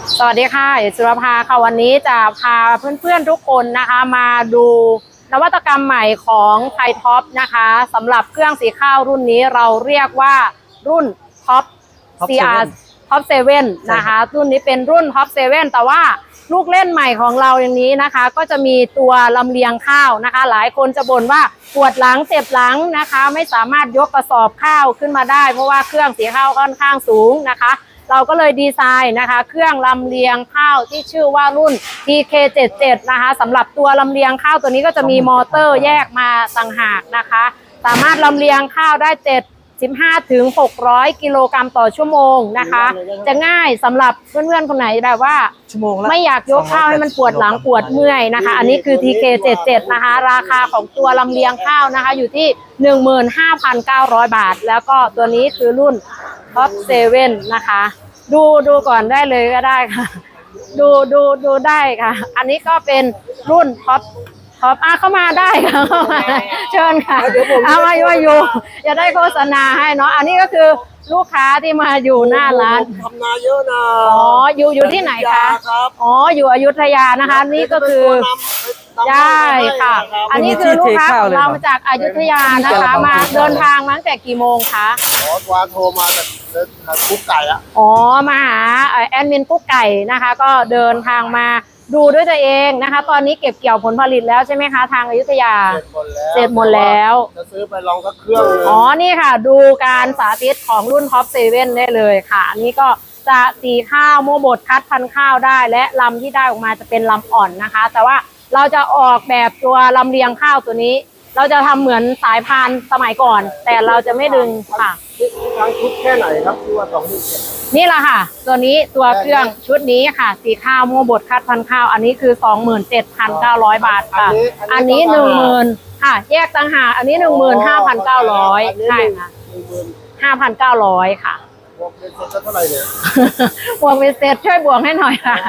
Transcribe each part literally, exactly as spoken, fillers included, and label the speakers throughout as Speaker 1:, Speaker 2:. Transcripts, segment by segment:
Speaker 1: สวัสดีค่ะเอกสุรภาค่ะวันนี้จะพาเพื่อนๆทุกคนนะคะมาดูนวัตกรรมใหม่ของไทยท็อปนะคะสำหรับเครื่องสีข้าวรุ่นนี้เราเรียกว่ารุ่นท็อป ซี อาร์ ท็อปเซเว่นนะคะรุ่นนี้เป็นรุ่นท็อปเซเว่นแต่ว่าลูกเล่นใหม่ของเราอย่างนี้นะคะก็จะมีตัวลำเลียงข้าวนะคะหลายคนจะบ่นว่าปวดหลังเจ็บหลังนะคะไม่สามารถยกกระสอบข้าวขึ้นมาได้เพราะว่าเครื่องสีข้าวค่อนข้างสูงนะคะเราก็เลยดีไซน์นะคะเครื่องลำเลียงข้าวที่ชื่อว่ารุ่น ที เค เจ็ดสิบเจ็ด นะคะสำหรับตัวลำเลียงข้าวตัวนี้ก็จะมีมอเตอร์แยกมาต่างหากนะคะสามารถลำเลียงข้าวได้เจ็ดสิบห้าถึงหกร้อยกิโลกรัมต่อชั่วโมงนะคะจะง่ายสำหรับเพื่อนๆคนไหนแบบว่าไม่อยากยกข้าวให้มันปวดหลังปวดเมื่อยนะคะอันนี้คือ ที เค เจ็ดสิบเจ็ด นะคะราคาของตัวลำเลียงข้าวนะคะอยู่ที่ หนึ่งหมื่นห้าพันเก้าร้อย บาทแล้วก็ตัวนี้คือรุ่น ท็อปเซเว่น นะคะดูดูก่อนได้เลยก็ได้ค่ะดูดูดูได้ค่ะอันนี้ก็เป็นรุ่นท็อปท็อปอ่ะเข้ามาได้ค่ะเข้ามาเชิญค่ะเอามาอยู่อยู่จะได้โฆษณาให้เนาะอันนี้ก็คือลูกค้าที่มาอยู่หน้าร้าน
Speaker 2: ทำนาเยอะนะ
Speaker 1: อ๋ออยู่อยู่ที่ไหนคะอ๋ออยู่อยุธยานะคะนี่ก็คือใช่ค่ะอันนี้คือลูกค้าของเรามาจากอยุธยานะคะมาเดินทางมาตั้งแต่กี่โมงคะ
Speaker 2: อ๋อวานโทรมาจากกุ๊กไก่อะ
Speaker 1: อ๋อมาหาแอดมินกุ๊กไก่นะคะก็เดินทางมาดูด้วยตัวเองนะคะตอนนี้เก็บเกี่ยวผลผลิตแล้วใช่ไหมคะทางอยุธยาเสร็จหมดแล้ว
Speaker 2: จะซื้อไปลองสักเครื่อง
Speaker 1: อ๋อนี่ค่ะดูการสาธิตของรุ่นท็อปเซเว่นได้เลยค่ะอันนี้ก็จะสีข้าวโม่บดคัดพันธุ์ข้าวได้และลำที่ได้ออกมาจะเป็นลำอ่อนนะคะแต่ว่าเราจะออกแบบตัวลำเลียงข้าวตัวนี้เราจะทำเหมือนสายพานสมัยก่อนแต่เราจะไม่ดึงค่ะ
Speaker 2: ทั้งชุดแค่ไหนครับตัวสองหมื่นเจ็ด
Speaker 1: นี่แหละค่ะตัวนี้ตัวเครื่องชุดนี้ค่ะสีข้าวโม่บดคัดพันธุ์ข้าวอันนี้คือ สองหมื่นเจ็ดพันเก้าร้อย บาทค่ะอันนี้ หนึ่งหมื่น ค่ะแยกต่างหากอันนี้ หนึ่งหมื่นห้าพันเก้าร้อย ใช่ค่ะ ห้าพันเก้าร้อย ค่ะ
Speaker 2: บวกเป็นเศษเท่าไหร่เนี่ย
Speaker 1: บวกเป็นเศษช่วยบวกให้หน่อยค่ะ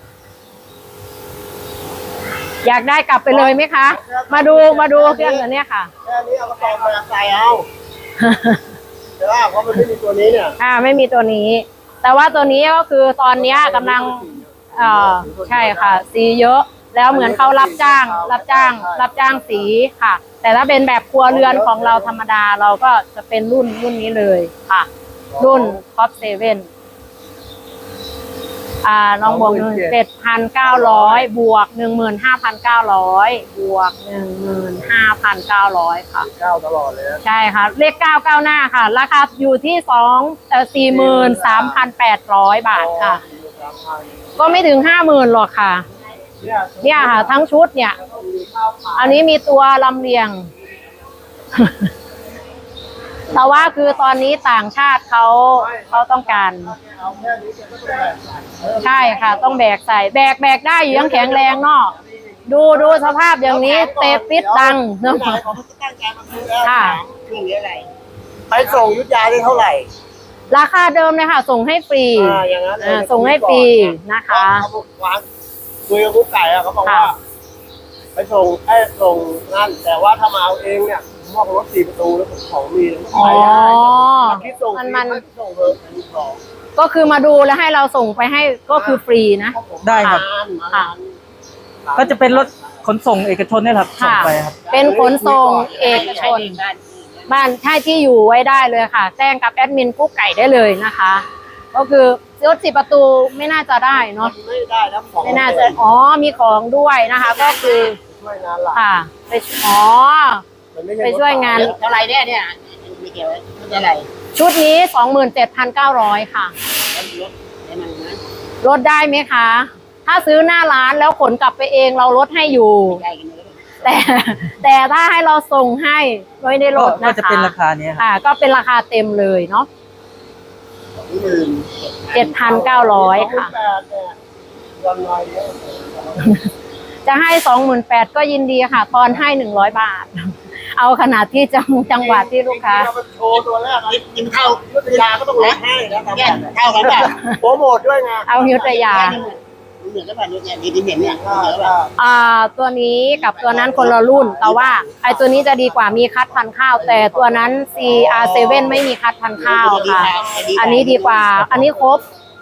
Speaker 1: อยากได้กลับไปเลยไหมคะมาดูมาดูเครื่องตัวนี้ค่ะ
Speaker 2: แค่นี้เอากระสอบมาใส่เอาแต่ว่าเพราะมันไม่มีตัวนี้เนี่ย
Speaker 1: อ่าไม่มีตัวนี้แต่ว่าตัวนี้ก็คือตอนนี้กำลังเอ่อใช่ค่ะสีเยอะแล้วเหมือนเขารับจ้างรับจ้างรับจ้างสีค่ะแต่ถ้าเป็นแบบครัวเรือนของเราธรรมดาเราก็จะเป็นรุ่นรุ่นนี้เลยค่ะรุ่นท็อปเซเว่นอ่าลองบวกหนึ่งเจ็ดพันเก้าร้อยบวกหนึ่งหมื่นห้าพันเก้าร้อยบวกหนึ่งหมื่นห้าพันเก้าร้อยค่ะ
Speaker 2: เก้าตลอดเลย
Speaker 1: ใช่ค่ะเลขเก้าเก้าหน้าค่ะราคาอยู่ที่สองเอ่อสี่หมื่นสามพันแปดร้อยบาทค่ะก็ไม่ถึงห้าหมื่นหรอกค่ะเนี่ยค่ะทั้งชุดเนี่ยอันนี้มีตัวลำเลียงแต่ว่าคือตอนนี้ต่างชาติเขาเขาต้องการใช่ค่ะต้องแบกใส่แบกแบกได้อยู่ยังแข็งแรงเนาะดูดูสภาพอย่างนี้เตะปิดดังเนาะค่ะ
Speaker 2: ไปส่งยุทธยาได้เท่าไหร่
Speaker 1: ราคาเดิมเลยค่ะส่งให้ฟรีส่งให้ฟรีนะคะ
Speaker 2: คุยกับกุ๊กไก่อะเขาบอกว่าไปส่งให้ส่งนั่นแต่ว่าถ้ามาเอาเองเนี่ยมอบรถสี่ประตูแล้วของมี
Speaker 1: อ๋อ
Speaker 2: มันมันส่งเบอร์ของ
Speaker 1: ก็คือมาดูแล้วให้เราส่งไปให้ก็คือฟรีนะ
Speaker 3: ได้ครับก็จะเป็นรถขนส่งเอกชนนี่แหละครับส่งไปครับ
Speaker 1: เป็นขนส่งเอกชนบ้านใช่ที่อยู่ไว้ได้เลยค่ะแจ้งกับแอดมินกุ๊กไก่ได้เลยนะคะก็คือรถสี่ประตูไม่น่าจะได้เนาะ
Speaker 2: ไม่ได้แล้วของ
Speaker 1: ไม่น่าจะอ๋อมีของด้วยนะคะก็คือ
Speaker 2: ช่วยงานหลัก
Speaker 1: ค่ะไปอ๋อไปช่วยงาน
Speaker 4: อะไรเนี่ยเนี่ยไม่เกี่ยวไม่อะไร
Speaker 1: ชุดนี้ สองหมื่นเจ็ดพันเก้าร้อย ค่ะลดได้ไหมคะถ้าซื้อหน้าร้านแล้วขนกลับไปเองเราลดให้อยู่แต่แต่ถ้าให้เราส่งให้ไม่ได้ลดนะคะ
Speaker 3: ก็จะเป็นราคานี้
Speaker 1: ค่ะก็เป็นราคาเต็มเลยเนาะ เจ็ดพันเก้าร้อย ค่ะจะให้ สองหมื่นแปดพัน ก็ยินดีค่ะตอนให้หนึ่งร้อยบาทเอาขนาดที่จังจังหวัดที่ลูกค้า
Speaker 2: โชว์ตัวแรกกินข้าวยุทธยาก็ต้องลดให้นะเท่ากันแบบโปรโมทด้วยไง
Speaker 1: เอายุทธยา
Speaker 4: เหมือนกับแบบนี้เนี่ยดีเห็นเนี่ย
Speaker 1: อ่าตัวนี้กับตัวนั้นคนละรุ่นแต่ว่าไอ้ตัวนี้จะดีกว่ามีคัดพันธุ์ข้าวแต่ตัวนั้น ซี อาร์ เซเว่น ไม่มีคัดพันธุ์ข้าวค่ะอันนี้ดีกว่าอันนี้ครบ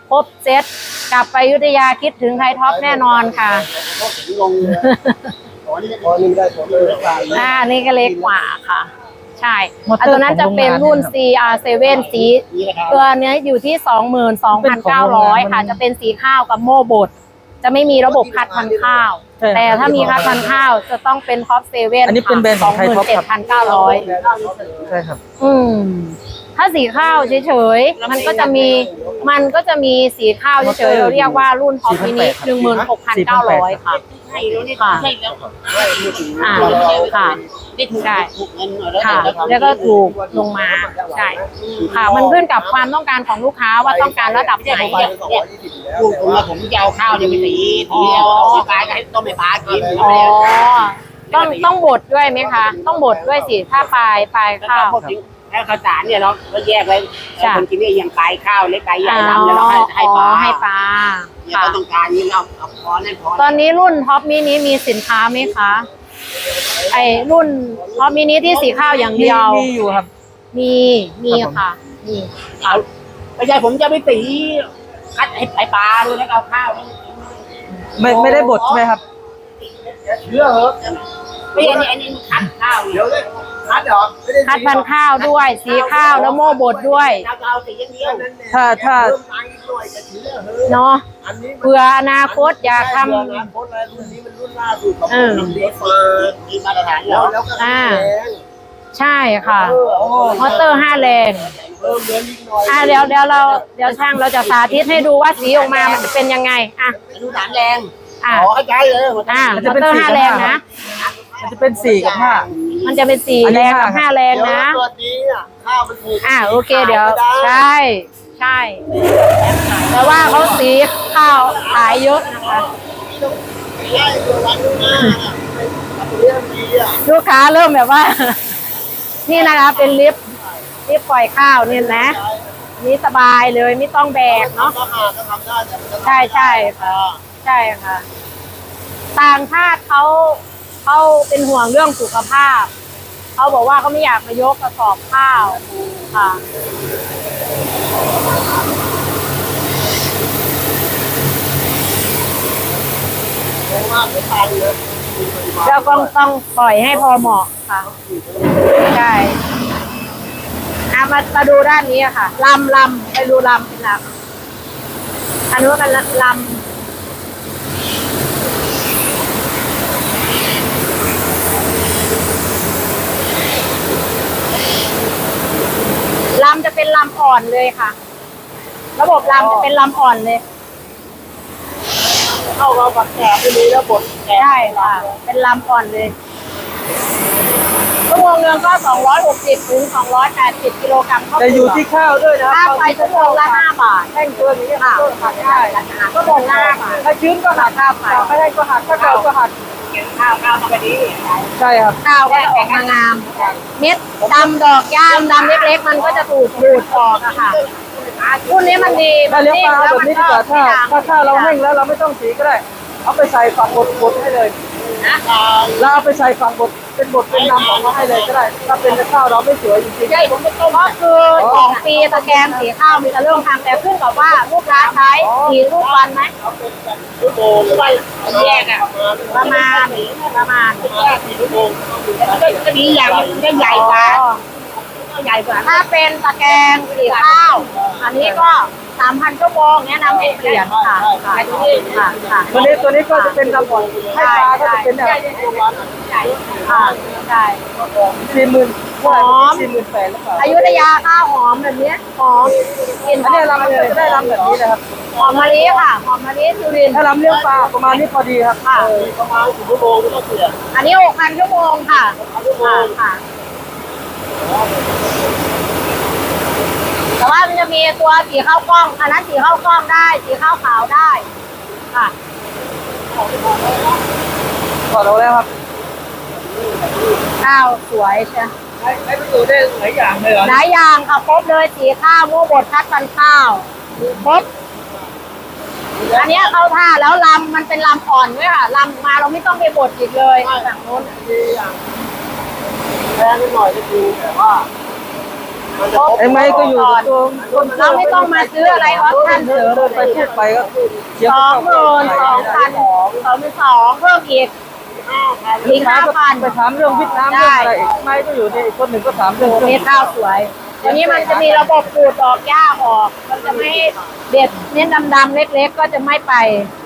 Speaker 1: ครบเซตกลับไปอยุธยาคิดถึงไทยท็อปแน่นอนค่ะ
Speaker 4: พวกถึงลงเลยอ๋อนี่
Speaker 2: พอนี่ได้ตัวเลยกลาง
Speaker 1: อ่านี่ก็เล็กกว่าค่ะ ใช่
Speaker 3: มอเตอร์
Speaker 1: อันตัวนั้นจะเป็นรุ่น
Speaker 3: ของโรงงาน
Speaker 1: ซี อาร์ เซเว่น สี
Speaker 4: นี่นะครับ
Speaker 1: ตัวเนี้ยอยู่ที่ สองหมื่นสองพันเก้าร้อย ค่ะ จะเป็นสีข้าวกับโม่บดจะไม่มีระบบคัดพันธุ์ข้าว
Speaker 3: ใช่ครับ
Speaker 1: แต่ถ้ามีคัดพันธุ์ข้าวจะต้องเป็นท็อปเซเว่น
Speaker 3: อันนี้เป็นแบรนด์ของไทยท็อปครับ
Speaker 1: เจ็ดพันเก้าร้อย
Speaker 3: ใช่ครับ
Speaker 1: อืม ถ้าสีข้าวเฉยๆ มันก็จะมี มันก็จะมีสีข้าวเฉยๆ เราเรียกว่ารุ่นท็อปมินิหนึ่งหมื่นหกพันเก้าร้อยค่ะ
Speaker 4: ใช่แล้วนี่
Speaker 1: ค่ะ
Speaker 4: ใช่แล้ว
Speaker 1: อ่าค่ะ
Speaker 4: ได้ถูก
Speaker 1: ใช่
Speaker 4: ถูกเงินหน่อยแล้ว
Speaker 1: ค่ะ
Speaker 4: แต่
Speaker 1: แล้วก็ถูกลงมา ใช่ ค่ะ มันขึ้นกับความต้องการของลูกค้าว่าต้องการระดับไหน
Speaker 2: ไปสองร้อยยี่สิบอยู่แล้ว
Speaker 4: ลูกผมอะผมจะเอาข้าวเนี่ยไปสีสีเอาเอาปลาให้ต้มให้ปลากิน
Speaker 1: อ๋อ ต้องต้องบดด้วยไหมคะ ต้องบดด้วยสิ ถ้าปลายปลาย
Speaker 4: แล้ว
Speaker 1: ข้า
Speaker 4: ก็
Speaker 1: ว
Speaker 4: พวกถึงแล้วข้าวสารเนี่ยเราก็แยกไว้
Speaker 1: จ้ะ
Speaker 4: คนกินเนี่ยยังปลายข้าวเล็กปลายใหญ่ลำแล้วเราให้ให้ปลา
Speaker 1: อ๋อให้ปลา
Speaker 4: เนี่ย
Speaker 1: ค่ะ
Speaker 4: เขาต้องการนี่เราเอาพอนั่นพอ
Speaker 1: ตอนนี้รุ่นท็อปมินิมีสินค้าไหมคะ ไอรุ่นท็อปมินิที่สีข้าวอย่าง
Speaker 3: มี
Speaker 1: เดียว
Speaker 3: มีอยู่ครับ
Speaker 1: มี มีค่ะ มี
Speaker 4: เอาไม่ใช่ผมจะไปตีคัดให้ให้ปลาด้วยแล้วก็เอาข้าวนี่
Speaker 3: ไม่ไม่ได้บดใช่ไหมครับ
Speaker 2: เชื่อเหรอ
Speaker 4: ไม่อันนี้อันนี้คัดข้าวเนี่ย
Speaker 2: เดี๋ยวเลยคัดเหรอไม่ได้
Speaker 1: คัดพันธุ์ข้าวด้วย สีข้าวแล้วโม่บดด้วย
Speaker 4: เราจะเอาสีอย่างเดียว
Speaker 3: ถ้าถ้า
Speaker 2: เริ่มตังค์อีกหน่อยจะเชื่อเหอะ
Speaker 1: เนาะ
Speaker 2: อันนี้มัน
Speaker 1: เผื่ออนาคตอยากท
Speaker 2: เผื่ออนาคตอะไรรุ่นนี้มันรุ่นล่าสุดของ
Speaker 1: เออ
Speaker 2: ทำดีฟ้า
Speaker 4: มีมาตรฐานเหร
Speaker 2: แล้ว
Speaker 4: อ
Speaker 2: แล้วก็
Speaker 1: อ่า
Speaker 2: แรง
Speaker 1: ำใช่ค่ะ
Speaker 2: เออโอ้
Speaker 1: มอเตอร์ห้าแรง
Speaker 2: เพิ่มเหลือนิดหน่อย
Speaker 1: อ่ะเดี๋ยวเดี๋ยวเราเดี๋ยวช่างเราจะสาธิตให้ดูว่าสีออกมามันจะเป็นยังไง อ่ะ
Speaker 4: อนุสามแรง
Speaker 1: อ่ะ
Speaker 4: อ๋อเข้าใจเลยหมด
Speaker 1: อ่ะ
Speaker 3: มัน
Speaker 1: ม
Speaker 3: จะ
Speaker 1: อ
Speaker 3: เป็น
Speaker 1: เตอร์
Speaker 3: สี
Speaker 1: ห้า
Speaker 3: กับ
Speaker 1: แรง
Speaker 3: ห้า
Speaker 1: นะ
Speaker 3: มันจะเป็นสี่กับห้า
Speaker 1: มันจะเป็นสี่
Speaker 3: อันนี้
Speaker 1: แรงกับ
Speaker 3: ห้า
Speaker 1: ห้าแรง
Speaker 2: เดี๋ยว
Speaker 1: นะ
Speaker 2: ตัวนี้อ่ะข้าวมันถูก
Speaker 1: อ่ะโอเคเดี๋ยว
Speaker 2: ขายไม่ไ
Speaker 1: ใช่ใช่แต่ว่าเขาสีข้าวขายเยอะนะคะ
Speaker 2: ใช่ตัววันข้างหน้าอ่ะเรื่องดีอ่ะ
Speaker 1: ลูกค้าเริ่มแบบว่า นี่นะคะเป็นลิฟต์ลิฟต์ปล่อยข้าวเนี่ยนะ นี่สบายเลยไม่ต้องแบกเนาะ
Speaker 2: ก็หาก็ทำได้แต่มันจะทำ
Speaker 1: ใช่ใช่ค่ะ ใช่ค่ะ ต่างชาติเขาเขาเป็นห่วงเรื่องสุขภาพ เขาบอกว่าเขาไม่อยากมายกกระสอบข้าวค่ะ
Speaker 2: เพราะว่าเดี๋ยวตายเลย
Speaker 1: แล้วก็ต้องปล่อยให้พอเหมาะค่ะ ใช่อ่ะมามาดูด้านนี้อะค่ะลำลำไปดูลำเป็นลำอันนู้นเป็นลำลำจะเป็นลำอ่อนเลยค่ะ ระบบลำจะเป็นลำอ่อนเลย
Speaker 2: เข้ามาปักแกะไม่มีแล้วบดแกะ
Speaker 1: ใช่ค่ะ เป็นลำอ่อนเลยชั่วโมงหนึงก็สองร้อยหกสิบถึงสองร้อยแปดสิบกิโลกรัมข้าว
Speaker 3: แต่
Speaker 1: เป
Speaker 3: อ
Speaker 1: ลื
Speaker 3: ยู่
Speaker 1: อก
Speaker 3: ที่ข้าวด้วยนะ
Speaker 1: ค่าไฟชั่วโมงละห้าบาท
Speaker 3: แห้งเกินอย่างนี้ย
Speaker 1: ค่ะ
Speaker 3: ก็หักได้
Speaker 1: ชั่วโมงละห้าบาท
Speaker 3: ถ้าชื้นก็หัก
Speaker 1: ค่าไฟ
Speaker 3: ไม่ให้ก็หักถ้าเก่าก็หัก
Speaker 4: ข้าวข้าวต้องไปดี
Speaker 3: ใช่ครับ
Speaker 1: ข้าวก็จะออกมางาม เม็ดดำดอกย่ามดำเล็กๆ มันก็จะถูกดูดออกอะค่ะรุ่นนี้มันดี
Speaker 3: ถ้าเลี้ยงปลา
Speaker 1: แล้ว
Speaker 3: แบบ
Speaker 1: มัน
Speaker 3: นี้
Speaker 1: ก็
Speaker 3: ดีกว่าถ้า
Speaker 1: ไม่ดำ
Speaker 3: ถ้าข้าวเราแห้งแล้วเราไม่ต้องสีก็ได้ เอาไปใส่ฝักบดบดให้เลยแล้วเอาไปใส่ฝักบดเป็นบดเป็นน้ำออกมาให้เลยก็ได้ ถ้าเป็นข้าวเราไม่สวยจริงๆ
Speaker 1: ใช่ผมไปต้มก็คือสองปีตะแกรงสีข้าวมีแต่เรื่องทางแต่ขึ้นกับว่าลูกค้าใช้กี่ลูกวันไหม
Speaker 2: ชั่วโมงหรือว่า
Speaker 4: แยกอ่ะ
Speaker 1: ประมาณประมาณ
Speaker 2: แค่สี่ชั่วโมง
Speaker 4: ก็ดีอย่างมันได้ใหญ่กว่า
Speaker 1: ใหญ่กว่าถ้าเป็นตะแกรงสีข้าว อันนี้ก็สามพันชั่วโมงแนะนำให้เปลี่ยนค่ะค่ะค่ะค่ะ
Speaker 3: ตัวนี้ตัวนี้ก็จะเป็นระบบให้ปลาก็จะเป็นแบบ
Speaker 1: ค่ะใช่
Speaker 3: สี่หมื่น
Speaker 1: หอม
Speaker 3: สี่หมื่นแปดหรือเปล่า
Speaker 1: อยุธยาข้าวหอมแบบเนี้ยหอมกลิน
Speaker 3: อันนี้เราจะได้รำแบบนี้นะครับ
Speaker 1: หอมมะลิค่ะหอมมะลิสุรินทร์
Speaker 3: ถ้ารำเลี้ยงปลาประมาณนี้พอดีครับ
Speaker 1: ค่ะ
Speaker 2: ประมาณสี่ชั่วโมงก็ต้องเปลี่ยน
Speaker 1: อันนี้หกพันชั่วโมงค่ะค่ะค่ะแต่ว่ามันจะมีตัวสีข้าวกล้อง อันนั้นสีข้าวกล้องได้ สีข้าวขาวได้ค่ะ
Speaker 3: ถอดออกแล้วครับ
Speaker 1: ข้าวสวยใช่
Speaker 3: ใช้ใช้ประโยชน์ได้หลายอย่างเลยเหรอ
Speaker 1: หลายอย่างค่ะครบเลยสีข้าวโม่บดคัดพันธุ์ข้าวครบอันเนี้ยเข้าท่าแล้วลำมันเป็นลำอ่อนด้วยค่ะลำมาเราไม่ต้องไปบดอีกเลยฝั่งโน้น
Speaker 2: ดีอย่างแพงนิดหน่อยก็จริงแต่ว่ามันจะครบ
Speaker 3: ไอ้ไม้ก็อยู่ตัว
Speaker 1: เราไม่ต้องมาซื้ออะไรออปชั่นเสริม
Speaker 3: เดินไปพูดไปก็เดี๋ยว
Speaker 1: สองหมื่นสองพันสองหมื่นสองเพิ่มอีกอีกห้าพัน
Speaker 3: ไปถามเรื่องวิทย์น้ำเรื่องอะไรอีกไม้ก็อยู่นี่อีกคนหนึ่งก็ถามเรื่อง
Speaker 1: มีข้าวสวยทีนี้มันจะมีระบบขูดดอกหญ้าออก มันจะไม่เด็ดเน้นดำๆเล็กๆก็จะไม่ไป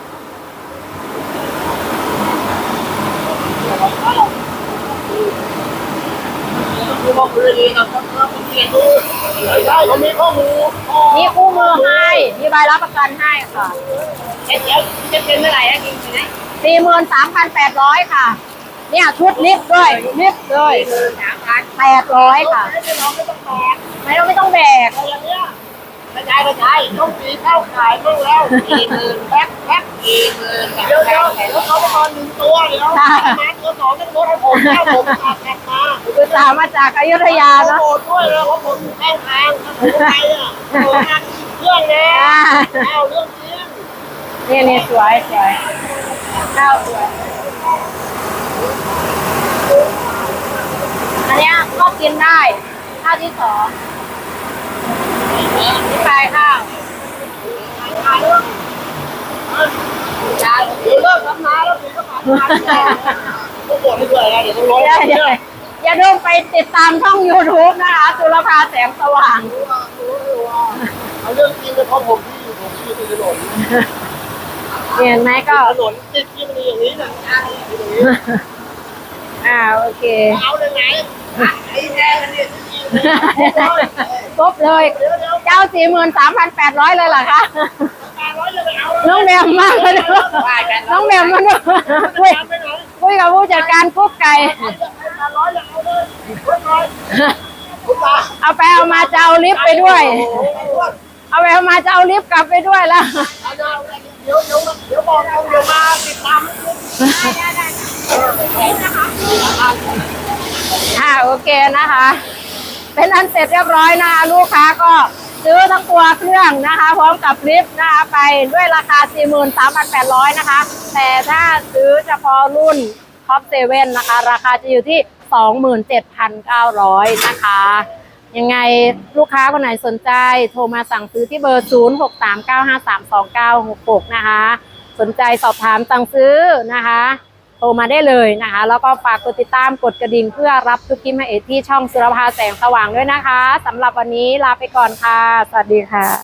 Speaker 4: คือบอกคือดีเราต้องเราต้องเรียนรู้
Speaker 2: ใช่เขามีข้อมูล
Speaker 1: มีคู่มือให้ มีใบรับประกันให้ค่ะ
Speaker 4: เอ๊ะเดี๋ยวจะเป็นเมื่อไหร่นะจริงไหม
Speaker 1: สี่หมื่นสามพันแปดร้อยค่ะ เนี่ยชุดลิฟต์ด้วย ลิฟต์ด้วย
Speaker 4: สามพัน
Speaker 1: แปดร้อยค่ะ
Speaker 4: ไม่ต้องไม่ต้องแบก
Speaker 1: ไม่ต้องไม่ต้องแบก
Speaker 4: อะไรอย่างเงี้ยกระจายกระจายต้องสีเข้าขายบ้างแล้วกี่หมื่นแพ็คแพ็คกี่หมื่น
Speaker 2: เดี๋ยวเดี๋ยวแล้วเขาประมาณหนึ่งตัวเดี๋ยวมาตัวสองต้องลดให้ผมแล้วผมขาดแท็กมา
Speaker 1: คือสามมาจากอยุธยา
Speaker 2: เขา
Speaker 1: เนาะ
Speaker 2: โกรธด้วยเลยว่าผมอยู่ข้างทางถ้าผมไปอ่ะผมมาเรื่องนะ
Speaker 1: อ่า
Speaker 2: เอาเรื่องจริง
Speaker 1: นี่นี่สวยสวยข้าวสวย อันเนี้ยก็กินได้ข้าวที่สองนี่ปลายข้าว
Speaker 2: เดี๋ยวเลิกทำนาแล้วเดี๋ยวก็มาทำนาต้องโกรธให้ด้วยนะเดี๋ยวต้องร้อง
Speaker 1: อย่า
Speaker 2: เรื่
Speaker 1: อย่า
Speaker 2: อง
Speaker 1: อย่าลืมไปติดตามช่อง YouTube นะคะจุลภาแสงสว่าง
Speaker 2: เอาเรื่องจริงเลยเพราะผมที่อยู่ผมที่อยู่ถนน
Speaker 1: เห็นไหมก็
Speaker 2: ถนนติดที่มันอย่างนี้นะอย่างนี้
Speaker 1: อ่าโอเค
Speaker 2: เอาเลยไหนไอ้แดงเนี่ย
Speaker 1: ครบเลย เจ้าสี่หมื่นสามพันแปดร้อยเลยเหรอคะ
Speaker 2: แปดร้อยจะไปเอา
Speaker 1: น้องแหม่มมากเลยน้องแหม่มมันคุย
Speaker 2: ไปไหน
Speaker 1: คุยกับผู้จัดการกุ๊กไก่
Speaker 2: แปดร้อยจะเอาเลยเรียบร้อยคุณตา
Speaker 1: เอาไปเอามาจะเอาลิฟต์ไปด้วย เอาไปเอามาจะเอาลิฟต์กลับไปด้วยแล้ว
Speaker 2: เดี๋ยวเดี๋ยวเดี๋ยวบอกเอาเดี๋ยวมาติดตาม
Speaker 1: อ่าโอเคนะคะ เป็นอันเสร็จเรียบร้อยนะคะลูกค้าก็ซื้อทั้งตัวเครื่องนะคะ พร้อมกับลิฟต์นะคะไปด้วยราคา สี่หมื่นสามพันแปดร้อย นะคะ แต่ถ้าซื้อเฉพาะรุ่นท็อปเซเว่นนะคะ ราคาจะอยู่ที่ สองหมื่นเจ็ดพันเก้าร้อย นะคะ ยังไงลูกค้าคนไหนสนใจโทรมาสั่งซื้อที่เบอร์ ศูนย์ หก สาม เก้า ห้า สาม สอง เก้า หก หก นะคะ สนใจสอบถามสั่งซื้อนะคะโทรมาได้เลยนะคะ แล้วก็ฝากกดติดตามกดกระดิ่งเพื่อรับทุกคลิปมาเอที่ช่องสุรภาแสงสว่างด้วยนะคะสำหรับวันนี้ลาไปก่อนค่ะ สวัสดีค่ะ